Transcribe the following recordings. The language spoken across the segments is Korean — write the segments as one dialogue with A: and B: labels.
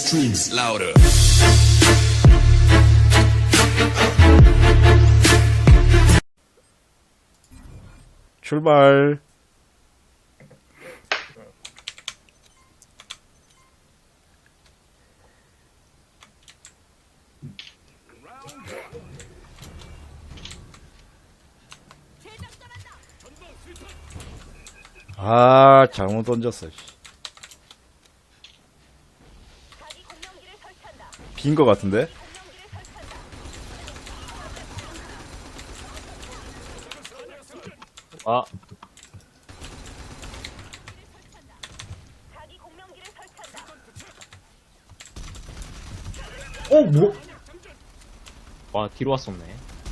A: Screams louder.
B: 출발. 아, 잘못 던졌어. 빈 거 같은데?
C: 아,
D: 뭐?
C: 와, 뒤로 왔었네.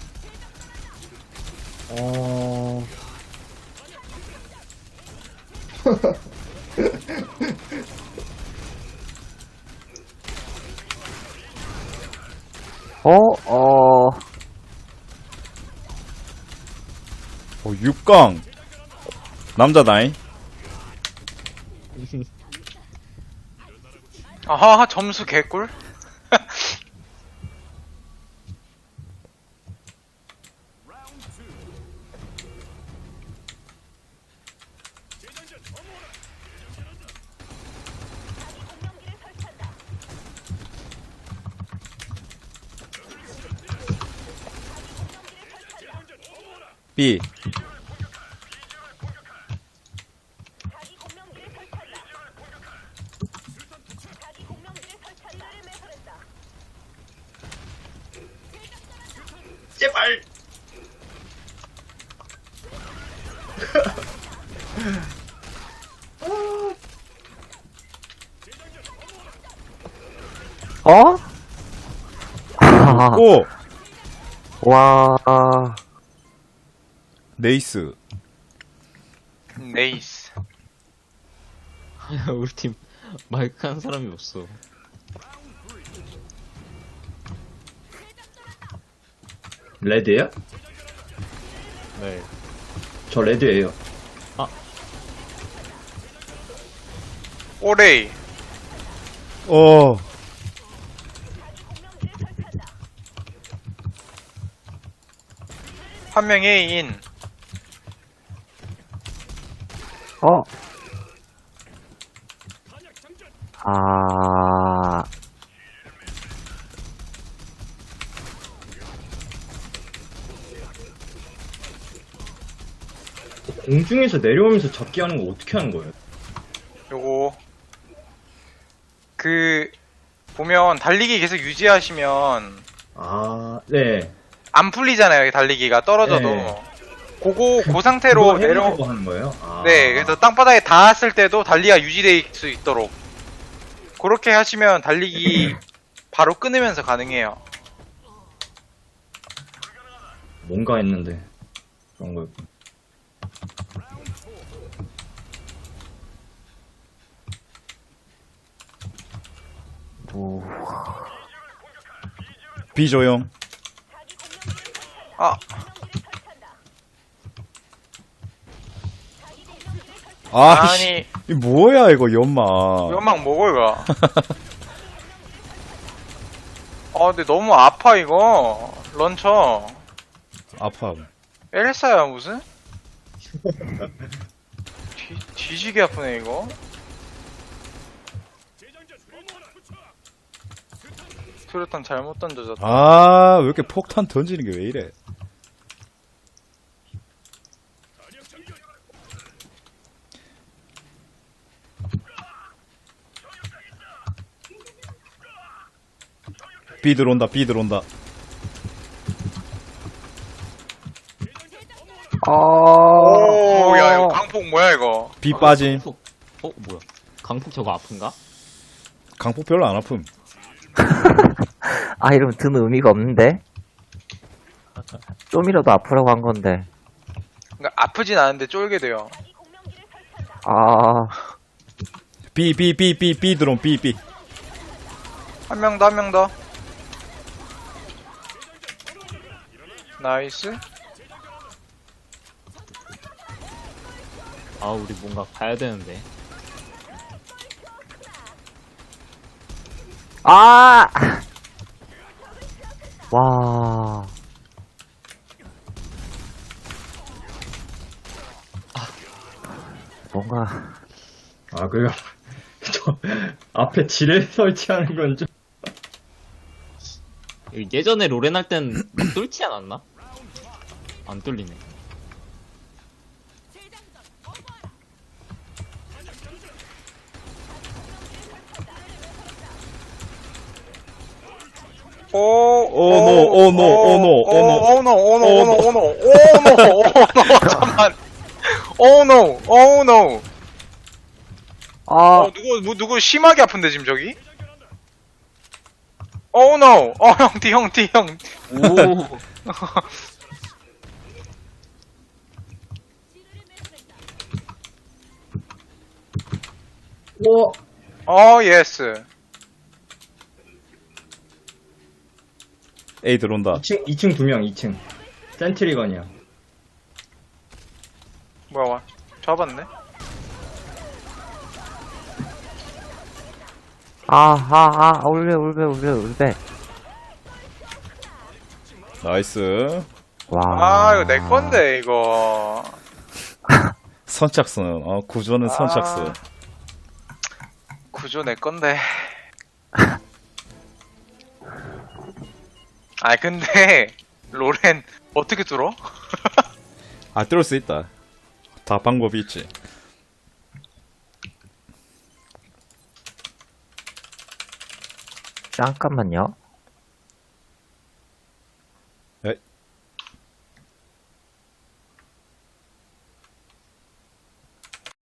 B: 어, 6강. 남자다잉.
E: 아하, 점수 개꿀?
B: B.
D: 제발.
B: 오!
F: 와,
B: 네이스.
E: 네이스.
C: 우리 팀 마이크 한 사람이 없어.
D: 레드예요?
C: 네.
D: 저 레드예요.
E: 오레이.
B: 어.
E: 한 명 A인.
F: 아,
D: 공중에서 내려오면서 잡기 하는 거 어떻게 하는 거예요?
E: 요거. 보면 달리기 계속 유지하시면
D: 아, 네.
E: 안 풀리잖아요, 달리기가. 떨어져도.
D: 네.
E: 그 상태로
D: 그거 해보려고 하는 거예요? 아.
E: 네, 그래서 땅바닥에 닿았을 때도 달리기가 유지될 수 있도록. 그렇게 하시면 달리기 바로 끊으면서 가능해요.
D: 뭔가 했는데 그런 거였고.
B: B 조용.
E: 아,
B: 아, 씨.
E: 아니,
B: 이 뭐야, 이거, 연마.
E: 연막 먹을 가. 근데 너무 아파, 이거. 런처.
B: 아파.
E: 엘사야, 무슨? 뒤지게 아프네, 이거. 수류탄 잘못 던져졌다.
B: 아, 왜 이렇게 폭탄 던지는 게 왜 이래? B 들어온다, B 들어온다.
E: 오, 야, 이거 강폭 뭐야, 이거.
B: B 빠짐.
C: 강폭, 뭐야. 강폭 저거 아픈가?
B: 강폭 별로 안 아픔.
F: 아, 이러면 드는 의미가 없는데? 좀이라도 아프라고 한 건데.
E: 그러니까 아프진 않은데 쫄게 돼요.
F: 아,
B: B 들어온, B.
E: 한 명 더, 한 명 더. 나이스.
C: 아, 우리 뭔가 가야 되는데.
F: 아! 와. 뭔가,
D: 아, 그거, 저, 앞에 지뢰 설치하는 건 좀,
C: 예전에 로렌 할 땐 뚫지 않았나? 안 뚫리네.
E: 오,
B: 오, 노, 오, 노, 오, 노.
E: 오, 노, 오, 노, 오, 노, 오, 노, 오, 노, 오, 노, 잠깐만. 오, 노, 오, 노.
F: 아,
E: 누구 심하게 아픈데, 지금 저기? 오, 노. 형, 형.
C: 오.
D: 오!
E: 예스.
B: A 들어온다.
D: 2층 2명, 2층. 센트리건이야.
E: 뭐야, 와. 잡았네.
F: 울베.
B: 나이스.
F: 와.
E: 이거 내 건데, 이거.
B: 선착순. 구조는 선착순.
E: 구조 내 건데. 근데, 로렌, 어떻게 뚫어?
B: 뚫을 수 있다. 다 방법이 있지.
F: 잠깐만요.